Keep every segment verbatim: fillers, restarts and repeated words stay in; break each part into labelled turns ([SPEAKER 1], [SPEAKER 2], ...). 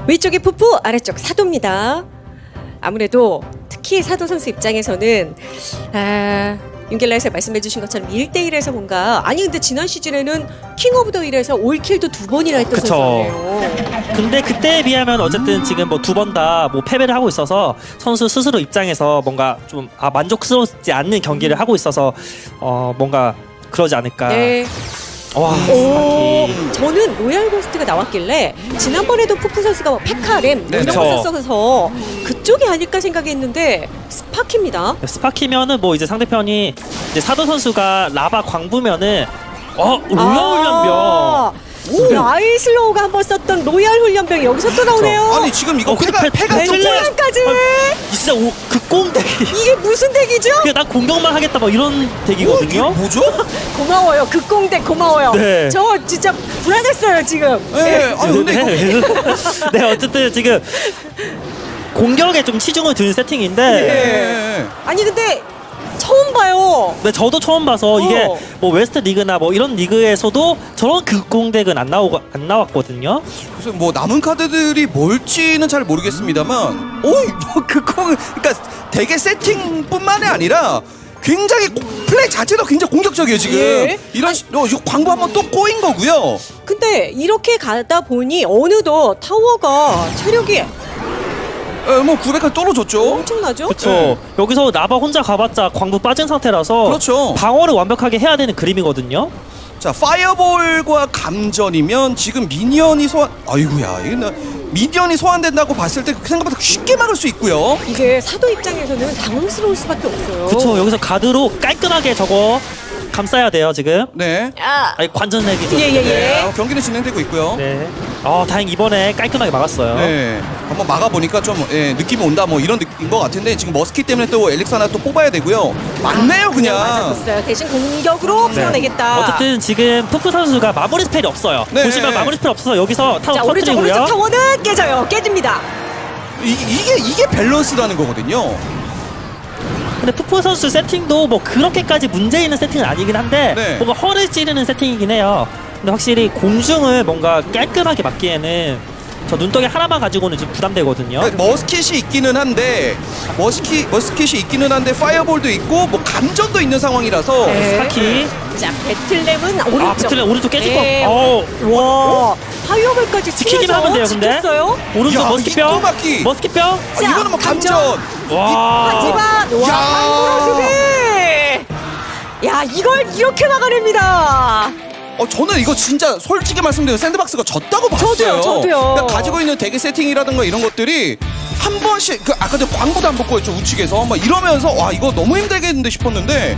[SPEAKER 1] 위쪽이 푸푸, 아래쪽 사도입니다. 아무래도 특히 사도 선수 입장에서는 아, 윤길라에서 말씀해주신 것처럼 일 대 일에서 뭔가 아니 근데 지난 시즌에는 킹 오브 더 일에서 올킬도 두 번이나 했던
[SPEAKER 2] 그쵸.
[SPEAKER 1] 선수예요.
[SPEAKER 2] 근데 그때에 비하면 어쨌든 지금 뭐 두 번 다 뭐 패배를 하고 있어서 선수 스스로 입장에서 뭔가 좀 아, 만족스럽지 않는 경기를 하고 있어서 어 뭔가 그러지 않을까.
[SPEAKER 1] 네.
[SPEAKER 2] 와,
[SPEAKER 1] 오,
[SPEAKER 2] 스파키.
[SPEAKER 1] 저는 로얄 고스트가 나왔길래 지난번에도 푸푸 선수가 뭐 페카렘 뭐
[SPEAKER 3] 네,
[SPEAKER 1] 이런
[SPEAKER 2] 그쵸.
[SPEAKER 1] 거 썼어서 그쪽이 아닐까 생각했는데 스파키입니다.
[SPEAKER 2] 스파키면은 뭐 이제 상대편이 이제 사도 선수가 라바 광부면은 어 로얄 훈련병.
[SPEAKER 1] 아, 아이슬로우가 한번 썼던 로얄 훈련병이 여기서 또 나오네요.
[SPEAKER 3] 아니 지금 이거
[SPEAKER 2] 어, 근데
[SPEAKER 3] 패가
[SPEAKER 2] 패-
[SPEAKER 3] 패가
[SPEAKER 2] 패-
[SPEAKER 3] 좀
[SPEAKER 2] 패-
[SPEAKER 1] 까지
[SPEAKER 2] 진짜 오, 극공대기.
[SPEAKER 1] 이게 무슨 덱이죠?
[SPEAKER 2] 그냥 난 공격만 하겠다 뭐 이런
[SPEAKER 3] 어, 이게
[SPEAKER 2] 덱이거든요.
[SPEAKER 3] 뭐죠?
[SPEAKER 1] 고마워요. 극공대 고마워요.
[SPEAKER 2] 네.
[SPEAKER 1] 저 진짜 불안했어요 지금.
[SPEAKER 3] 네. 아 근데 이거
[SPEAKER 2] 네. 네, 어쨌든 지금 공격에 좀 치중을 두는 세팅인데
[SPEAKER 3] 네.
[SPEAKER 1] 아니 근데 처음 봐요.
[SPEAKER 2] 네, 저도 처음 봐서 이게
[SPEAKER 1] 어.
[SPEAKER 2] 뭐 웨스트 리그나 뭐 이런 리그에서도 저런 극공덱은 안 나오고 안 나왔거든요.
[SPEAKER 3] 그래서 뭐 남은 카드들이 뭘지는 잘 모르겠습니다만, 오, 뭐 그거 그러니까 되게 세팅뿐만이 아니라 굉장히 고- 플레이 자체도 굉장히 공격적이에요 지금.
[SPEAKER 1] 예.
[SPEAKER 3] 이런 시, 어, 이거 광고 한번 또 꼬인 거고요.
[SPEAKER 1] 근데 이렇게 가다 보니 어느덧 타워가 체력이
[SPEAKER 3] 에, 뭐 구백까지 떨어졌죠.
[SPEAKER 1] 엄청나죠?
[SPEAKER 2] 그렇죠.
[SPEAKER 3] 네.
[SPEAKER 2] 여기서 라바 혼자 가봤자 광부 빠진 상태라서
[SPEAKER 3] 그렇죠.
[SPEAKER 2] 방어를 완벽하게 해야 되는 그림이거든요.
[SPEAKER 3] 자, 파이어볼과 감전이면 지금 미니언이 소환, 아이고야, 이게 나 미니언이 소환된다고 봤을 때 생각보다 쉽게 막을 수 있고요.
[SPEAKER 1] 이게 사도 입장에서는 당황스러울 수밖에 없어요.
[SPEAKER 2] 그렇죠. 여기서 가드로 깔끔하게 저거 감싸야 돼요 지금.
[SPEAKER 3] 네.
[SPEAKER 1] 아,
[SPEAKER 2] 아니 관전 내기죠.
[SPEAKER 1] 예예예.
[SPEAKER 3] 네, 어, 경기는 진행되고 있고요. 네.
[SPEAKER 2] 네. 아 다행 이번에 깔끔하게 막았어요.
[SPEAKER 3] 한번 막아보니까 좀 예, 느낌이 온다 뭐 이런 느낌인 것 같은데 지금 머스키 때문에 또 엘릭스 하나 또 뽑아야 되고요. 막네요 그냥.
[SPEAKER 1] 맞아줬어요. 대신 공격으로 풀어내겠다.
[SPEAKER 2] 어쨌든 지금 푸푸 선수가 마무리 스펠이 없어요.
[SPEAKER 3] 네.
[SPEAKER 2] 보시면 마무리 스펠 없어서 여기서 타워
[SPEAKER 1] 자 오른쪽
[SPEAKER 2] 터뜨리고요.
[SPEAKER 1] 오른쪽 타워는 깨져요. 깨집니다.
[SPEAKER 3] 이, 이게 이게 밸런스라는 거거든요.
[SPEAKER 2] 근데 푸푸 선수 세팅도 뭐 그렇게까지 문제 있는 세팅은 아니긴 한데
[SPEAKER 3] 네.
[SPEAKER 2] 뭔가 허를 찌르는 세팅이긴 해요. 근데 확실히 공중을 뭔가 깔끔하게 막기에는 저 눈덩이 하나만 가지고는 좀 부담되거든요.
[SPEAKER 3] 네, 머스킷이 있기는 한데 머스키 머스킷이 있기는 한데 파이어볼도 있고 뭐 감전도 있는 상황이라서
[SPEAKER 1] 네.
[SPEAKER 2] 스파키.
[SPEAKER 1] 자 배틀램은 오른쪽.
[SPEAKER 2] 아, 배틀램 오른쪽 깨질
[SPEAKER 1] 네.
[SPEAKER 2] 거. 어,
[SPEAKER 1] 와 파이어볼까지
[SPEAKER 2] 지키기만 하면 돼요, 근데.
[SPEAKER 1] 지켰어요.
[SPEAKER 2] 오른쪽
[SPEAKER 3] 야,
[SPEAKER 2] 머스킷뼈.
[SPEAKER 3] 이 또막기.
[SPEAKER 2] 머스킷뼈.
[SPEAKER 3] 아, 이거는 뭐 감전.
[SPEAKER 2] 와.
[SPEAKER 1] 하지만 와
[SPEAKER 3] 야.
[SPEAKER 1] 한국어수비. 야 이걸 이렇게 막아냅니다.
[SPEAKER 3] 어 저는 이거 진짜 솔직히 말씀드리면 샌드박스가 졌다고 봤어요.
[SPEAKER 1] 저도요, 저도요.
[SPEAKER 3] 그러니까 가지고 있는 대기 세팅이라든가 이런 것들이 한 번씩 그 아까 전 광고도 안 먹고 했죠 우측에서 막 이러면서 와 이거 너무 힘들겠는데 싶었는데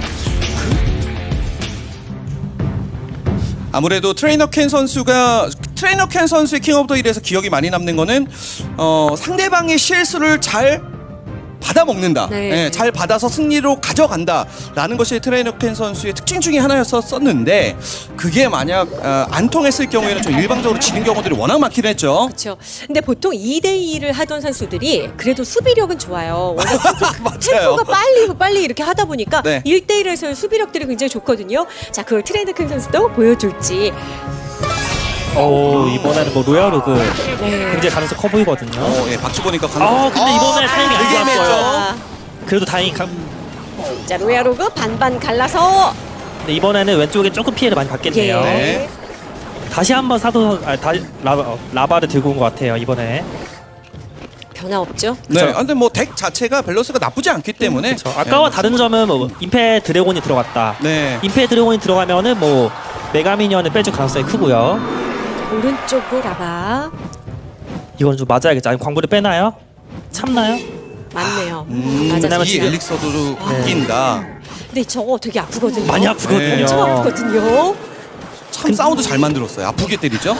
[SPEAKER 3] 아무래도 트레이너 켄 선수가 트레이너 켄 선수의 킹 오브 더 힐에서 기억이 많이 남는 거는 어, 상대방의 실수를 잘 받아먹는다.
[SPEAKER 1] 네.
[SPEAKER 3] 예, 잘 받아서 승리로 가져간다라는 것이 트레이너 켄 선수의 특징 중에 하나였었는데 그게 만약 어, 안 통했을 경우에는 좀 일방적으로 지는 경우들이 워낙 많긴 했죠.
[SPEAKER 1] 그렇죠. 근데 보통 이 대 이를 하던 선수들이 그래도 수비력은 좋아요. 워낙
[SPEAKER 3] 맞아요.
[SPEAKER 1] 템포가 빨리 빨리 이렇게 하다 보니까
[SPEAKER 3] 네.
[SPEAKER 1] 일 대 일에서의 수비력들이 굉장히 좋거든요. 자, 그걸 트레이드 큰 선수도 보여줄지.
[SPEAKER 2] 오, 이번에는 뭐 로얄 로그
[SPEAKER 1] 네.
[SPEAKER 2] 굉장히 가능성 커 보이거든요.
[SPEAKER 3] 어, 예, 박수 보니까 강.
[SPEAKER 2] 아, 근데 이번에 타이밍이 안
[SPEAKER 3] 되게
[SPEAKER 2] 좋았어요.
[SPEAKER 3] 애매했죠.
[SPEAKER 1] 아,
[SPEAKER 2] 그래도 다행히 감...
[SPEAKER 1] 자, 로얄로그 반반 갈라서
[SPEAKER 2] 근데 이번에는 왼쪽에 조금 피해를 많이 받겠네요.
[SPEAKER 1] 예.
[SPEAKER 3] 네.
[SPEAKER 2] 다시 한번 사도 아, 다, 라바, 어, 라바를 들고 온 것 같아요 이번에.
[SPEAKER 1] 변화 없죠.
[SPEAKER 3] 네.
[SPEAKER 2] 그쵸.
[SPEAKER 3] 아, 근데 뭐 덱 자체가 밸런스가 나쁘지 않기 때문에.
[SPEAKER 2] 그렇죠. 아까와
[SPEAKER 3] 네.
[SPEAKER 2] 다른 점은 뭐 임페 드래곤이 들어갔다.
[SPEAKER 3] 네.
[SPEAKER 2] 임페 드래곤이 들어가면은 뭐 메가미니언을 빼줄 가능성이 크고요.
[SPEAKER 1] 오른쪽으로 라바
[SPEAKER 2] 이건 좀 맞아야겠죠. 아니 광부를 빼나요? 참나요?
[SPEAKER 1] 맞네요.
[SPEAKER 3] 음,
[SPEAKER 1] 맞아.
[SPEAKER 2] 왜냐면
[SPEAKER 3] 이
[SPEAKER 2] 지금-
[SPEAKER 3] 엘릭서도 바뀐다.
[SPEAKER 1] 근데 저거 되게 아프거든요.
[SPEAKER 2] 많이 아프거든요.
[SPEAKER 1] 엄청 아프거든요.
[SPEAKER 3] 참 사운드 잘 만들었어요. 아프게 때리죠?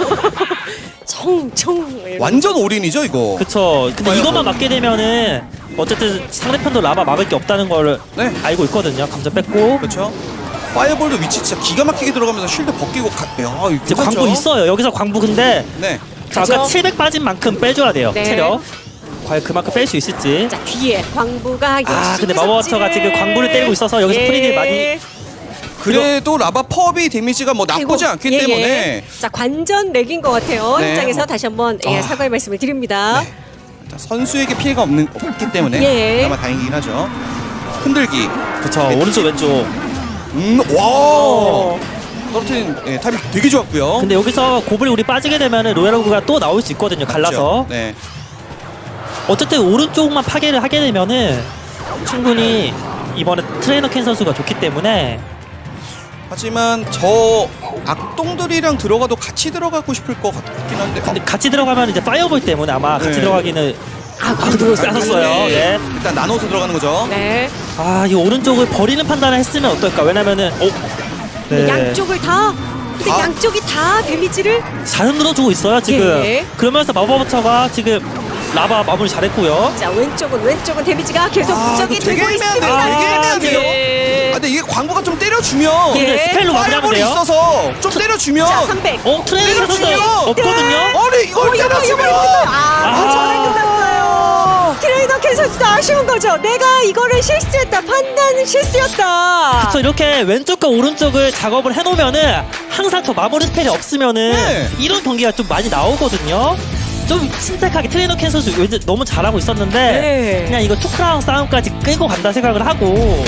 [SPEAKER 1] 청청.
[SPEAKER 3] 완전 올인이죠 이거.
[SPEAKER 2] 그쵸. 근데
[SPEAKER 3] 봐요,
[SPEAKER 2] 이것만
[SPEAKER 3] 뭐.
[SPEAKER 2] 막게 되면은 어쨌든 상대편도 라바 막을 게 없다는 걸
[SPEAKER 3] 네.
[SPEAKER 2] 알고 있거든요. 감정 뺐고.
[SPEAKER 3] 그렇죠. 파이어볼도 위치 진짜 기가 막히게 들어가면서 쉴드 벗기고 가. 야, 이거
[SPEAKER 2] 이제
[SPEAKER 3] 괜찮죠?
[SPEAKER 2] 광부 있어요. 여기서 광부 근데
[SPEAKER 3] 네.
[SPEAKER 2] 자,
[SPEAKER 1] 그죠?
[SPEAKER 2] 아까 칠백 빠진 만큼 빼줘야 돼요.
[SPEAKER 1] 네.
[SPEAKER 2] 체력. 과연 그만큼 뺄 수 있을지.
[SPEAKER 1] 자, 뒤에 광부가
[SPEAKER 2] 아,
[SPEAKER 1] 열심히
[SPEAKER 2] 근데 마법처가
[SPEAKER 1] 삽질을-
[SPEAKER 2] 지금 광부를 때리고 있어서 여기서
[SPEAKER 1] 예.
[SPEAKER 2] 프리딜 많이
[SPEAKER 3] 그래도 라바 펍이 데미지가 뭐 나쁘지
[SPEAKER 1] 아이고,
[SPEAKER 3] 않기
[SPEAKER 1] 예,
[SPEAKER 3] 때문에
[SPEAKER 1] 예. 자 관전 렉인 것 같아요.
[SPEAKER 3] 네.
[SPEAKER 1] 현장에서 다시 한번 예,
[SPEAKER 3] 아.
[SPEAKER 1] 사과의 말씀을 드립니다.
[SPEAKER 3] 네. 일단 선수에게 피해가 없는 없기 때문에
[SPEAKER 1] 예.
[SPEAKER 3] 그나마 다행이긴 하죠. 흔들기.
[SPEAKER 2] 그쵸.
[SPEAKER 3] 네.
[SPEAKER 2] 오른쪽 왼쪽.
[SPEAKER 3] 음, 와.
[SPEAKER 1] 어.
[SPEAKER 3] 떨어뜨린 예, 타이밍 되게 좋았고요.
[SPEAKER 2] 근데 여기서 고블이 우리 빠지게 되면은 로얄로그가 또 나올 수 있거든요. 갈라서.
[SPEAKER 3] 네.
[SPEAKER 2] 어쨌든 오른쪽만 파괴를 하게 되면은 충분히 이번에 트레이너 켄 선수가 좋기 때문에
[SPEAKER 3] 하지만 저 악동들이랑 들어가도 같이 들어가고 싶을 것 같긴 한데.
[SPEAKER 2] 근데 같이 들어가면 이제 파이어볼 때문에 아마 같이
[SPEAKER 3] 네.
[SPEAKER 2] 들어가기는
[SPEAKER 1] 아,
[SPEAKER 2] 아, 그거 쌌었어요. 네.
[SPEAKER 3] 일단 나눠서 들어가는 거죠.
[SPEAKER 1] 네.
[SPEAKER 2] 아, 이 오른쪽을 버리는 판단을 했으면 어떨까? 왜냐면은 어,
[SPEAKER 1] 근데
[SPEAKER 2] 네.
[SPEAKER 1] 양쪽을 다 근데
[SPEAKER 3] 다?
[SPEAKER 1] 양쪽이 다 데미지를
[SPEAKER 2] 잘 흔들어주고 있어요 지금.
[SPEAKER 1] 예.
[SPEAKER 2] 그러면서 마법처가 지금 라바 마무리 잘했고요.
[SPEAKER 1] 자 왼쪽은 왼쪽은 데미지가 계속
[SPEAKER 3] 아,
[SPEAKER 1] 부정이
[SPEAKER 3] 이거 되게
[SPEAKER 1] 되고
[SPEAKER 3] 애매한데요.
[SPEAKER 1] 있습니다.
[SPEAKER 3] 되게 애매한데요.
[SPEAKER 1] 예.
[SPEAKER 3] 아, 근데 이게 광고가 좀 때려주면
[SPEAKER 1] 예.
[SPEAKER 2] 근데 스펠로 마무리하면
[SPEAKER 3] 파이어볼이
[SPEAKER 2] 돼요.
[SPEAKER 3] 있어서 좀 때려주면
[SPEAKER 1] 자 삼백.
[SPEAKER 2] 어, 트레이너 선수
[SPEAKER 3] 때려주면
[SPEAKER 2] 없거든요.
[SPEAKER 3] 아니 이걸
[SPEAKER 1] 어, 이거
[SPEAKER 3] 때려주면
[SPEAKER 1] 이거 아,
[SPEAKER 2] 아.
[SPEAKER 1] 전에 끝났어요. 트레이너 켄 선수도 아쉬운 거죠. 내가 이거를 실수했다. 판단은 실수였다.
[SPEAKER 2] 그래서 이렇게 왼쪽과 오른쪽을 작업을 해놓으면은 항상 저 마무리 스펠이 없으면은
[SPEAKER 3] 네.
[SPEAKER 2] 이런 경기가 좀 많이 나오거든요. 좀 침착하게 트레이너 켄 선수 왠지 너무 잘하고 있었는데
[SPEAKER 1] 네.
[SPEAKER 2] 그냥 이거 투크라운 싸움까지 끌고 간다 생각을 하고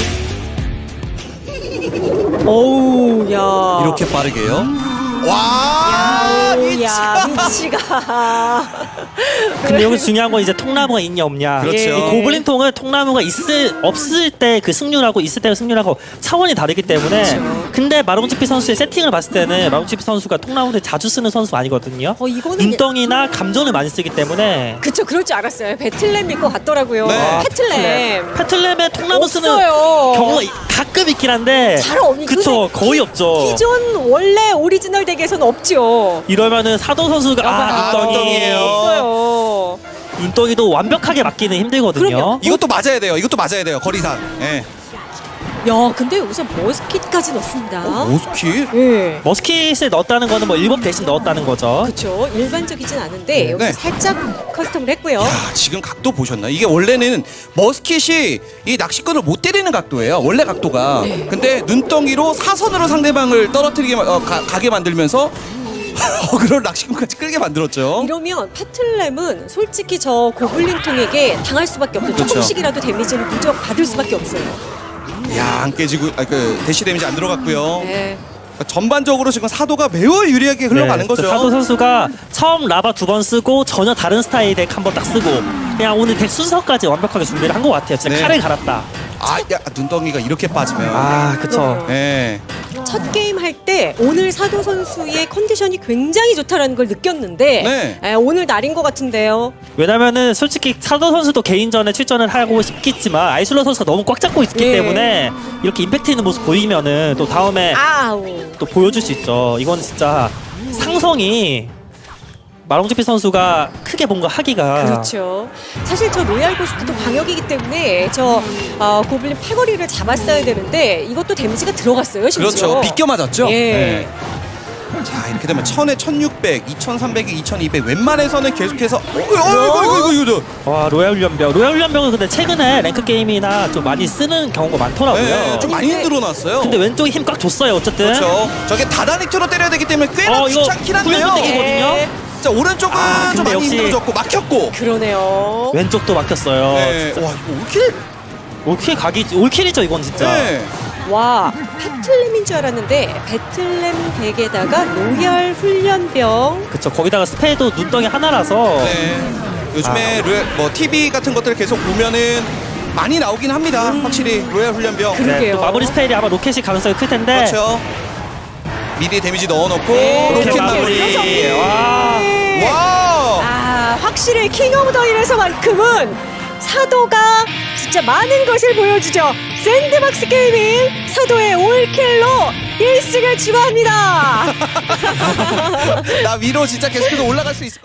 [SPEAKER 1] 어우 야.
[SPEAKER 3] 이렇게 빠르게요? 와
[SPEAKER 1] 야
[SPEAKER 3] 미치가
[SPEAKER 1] 미치가.
[SPEAKER 2] 근데 여기 중요한 건 이제 통나무가 있냐 없냐.
[SPEAKER 3] 그렇죠.
[SPEAKER 2] 이 고블린 통은 통나무가 있을 없을 때 그 승률하고 있을 때 승률하고 차원이 다르기 때문에.
[SPEAKER 1] 그렇죠.
[SPEAKER 2] 근데 마롱치피 선수의 세팅을 봤을 때는 마롱치피 선수가 통나무를 자주 쓰는 선수가 아니거든요.
[SPEAKER 1] 어 이거는
[SPEAKER 2] 눈덩이나 감전을 많이 쓰기 때문에.
[SPEAKER 1] 그쵸 그럴 줄 알았어요. 배틀램일 것 같더라고요.
[SPEAKER 3] 네.
[SPEAKER 1] 배틀램.
[SPEAKER 2] 패틀램에 통나무 쓰는
[SPEAKER 1] 없어요.
[SPEAKER 2] 경우가 이- 가끔 있긴 한데.
[SPEAKER 1] 잘 없니?
[SPEAKER 2] 그쵸, 거의 없죠.
[SPEAKER 1] 기존 원래 오리지널 덱에서는 없죠.
[SPEAKER 2] 이러면은 사도 선수가 아,
[SPEAKER 3] 아,
[SPEAKER 2] 눈덩이.
[SPEAKER 3] 눈덩이에요.
[SPEAKER 1] 없어요.
[SPEAKER 2] 눈덩이도 완벽하게 맞기는 힘들거든요.
[SPEAKER 1] 그럼요.
[SPEAKER 3] 이것도 맞아야 돼요. 이것도 맞아야 돼요. 거리상. 예.
[SPEAKER 1] 야 근데 우선 머스킷까지 넣습니다.
[SPEAKER 3] 오스키?
[SPEAKER 1] 예.
[SPEAKER 2] 머스킷을 넣었다는 거는 뭐 일법 대신 넣었다는 거죠.
[SPEAKER 1] 그렇죠. 일반적이진 않은데 여기서
[SPEAKER 3] 네.
[SPEAKER 1] 살짝 커스텀을 했고요.
[SPEAKER 3] 야, 지금 각도 보셨나? 이게 원래는 머스킷이 이 낚시꾼을 못 때리는 각도예요. 원래 각도가.
[SPEAKER 1] 네.
[SPEAKER 3] 근데 눈덩이로 사선으로 상대방을 떨어뜨리게 마- 어, 가, 가게 만들면서 어그로 낚시꾼까지 끌게 만들었죠.
[SPEAKER 1] 이러면 패틀램은 솔직히 저 고블린 통에게 당할 수밖에 없어요.
[SPEAKER 3] 그렇죠.
[SPEAKER 1] 조금씩이라도 데미지를 누적 받을 수밖에 없어요.
[SPEAKER 3] 야, 안 깨지고 아, 그 대시 데미지 안 들어갔고요.
[SPEAKER 1] 네.
[SPEAKER 3] 그러니까 전반적으로 지금 사도가 매우 유리하게 흘러가는
[SPEAKER 2] 네,
[SPEAKER 3] 거죠.
[SPEAKER 2] 사도 선수가 처음 라바 두 번 쓰고 전혀 다른 스타일 덱 한 번 딱 쓰고 그냥 오늘 덱 순서까지 완벽하게 준비를 한 것 같아요. 진짜
[SPEAKER 3] 네.
[SPEAKER 2] 칼을 갈았다.
[SPEAKER 3] 아, 야, 눈덩이가 이렇게 빠지면.
[SPEAKER 2] 아, 그쵸.
[SPEAKER 3] 예.
[SPEAKER 1] 첫 게임 할 때 오늘 사도 선수의 컨디션이 굉장히 좋다라는 걸 느꼈는데
[SPEAKER 3] 네.
[SPEAKER 1] 에, 오늘 날인 것 같은데요.
[SPEAKER 2] 왜냐면은 솔직히 사도 선수도 개인전에 출전을 하고 싶겠지만 아이슬러 선수가 너무 꽉 잡고 있기
[SPEAKER 1] 예.
[SPEAKER 2] 때문에 이렇게 임팩트 있는 모습 보이면은 또 다음에
[SPEAKER 1] 아우.
[SPEAKER 2] 또 보여줄 수 있죠. 이건 진짜 상성이 마롱지피 선수가 크게 뭔가 하기가
[SPEAKER 1] 그렇죠. 사실 저 로얄 고스트도 방역이기 때문에 저 어, 고블린 패거리를 잡았어야 되는데 이것도 데미지가 들어갔어요. 심지어.
[SPEAKER 3] 그렇죠. 비껴 맞았죠.
[SPEAKER 1] 예.
[SPEAKER 3] 네. 자, 이렇게 되면 천에 천육백, 이천삼백에 이천이백 웬만해서는 계속해서 어, 어, 이거 이거 이거 이거.
[SPEAKER 2] 와 로얄 훈련병 로얄 훈련병은 근데 최근에 랭크 게임이나 좀 많이 쓰는 경우가 많더라고요.
[SPEAKER 3] 네, 좀 많이 늘어났어요.
[SPEAKER 2] 근데 왼쪽에 힘 꽉 줬어요 어쨌든.
[SPEAKER 3] 그렇죠. 저게 다다닉트로 때려야 되기 때문에 꽤나
[SPEAKER 2] 어, 이거
[SPEAKER 3] 귀찮긴 한데요.
[SPEAKER 2] 훈련병이거든요.
[SPEAKER 1] 예.
[SPEAKER 3] 자, 오른쪽은
[SPEAKER 2] 아,
[SPEAKER 3] 좀
[SPEAKER 2] 근데
[SPEAKER 3] 많이
[SPEAKER 2] 역시-
[SPEAKER 3] 힘들어졌고 막혔고.
[SPEAKER 1] 그러네요.
[SPEAKER 2] 왼쪽도 막혔어요.
[SPEAKER 3] 네.
[SPEAKER 2] 진짜.
[SPEAKER 3] 와, 이거 올킬.
[SPEAKER 2] 올킬 각이 올킬이죠 이건 진짜.
[SPEAKER 3] 네.
[SPEAKER 1] 와 배틀램인 줄 알았는데 배틀램 덱에다가 로얄 훈련병.
[SPEAKER 2] 그쵸 거기다가 스페도 눈덩이 하나라서
[SPEAKER 3] 네. 요즘에
[SPEAKER 2] 아.
[SPEAKER 3] 로얄, 뭐 티비 같은 것들 계속 보면은 많이 나오긴 합니다. 확실히 로얄 훈련병.
[SPEAKER 1] 그- 그러게요.
[SPEAKER 2] 또 마무리 스펠이 아마 로켓이 가능성이 클 텐데.
[SPEAKER 3] 그렇죠. 미리 데미지 넣어놓고
[SPEAKER 1] 네.
[SPEAKER 3] 로켓
[SPEAKER 2] 로켓
[SPEAKER 3] 마무리.
[SPEAKER 2] 마무리. 와.
[SPEAKER 3] 와.
[SPEAKER 1] 아 확실히 킹 오브 더 힐에서만큼은 사도가 진짜 많은 것을 보여주죠. 샌드박스 게이밍 사도의 올킬로 일 승을 추가합니다.
[SPEAKER 3] 나 위로 진짜 계속해서 올라갈 수 있을 것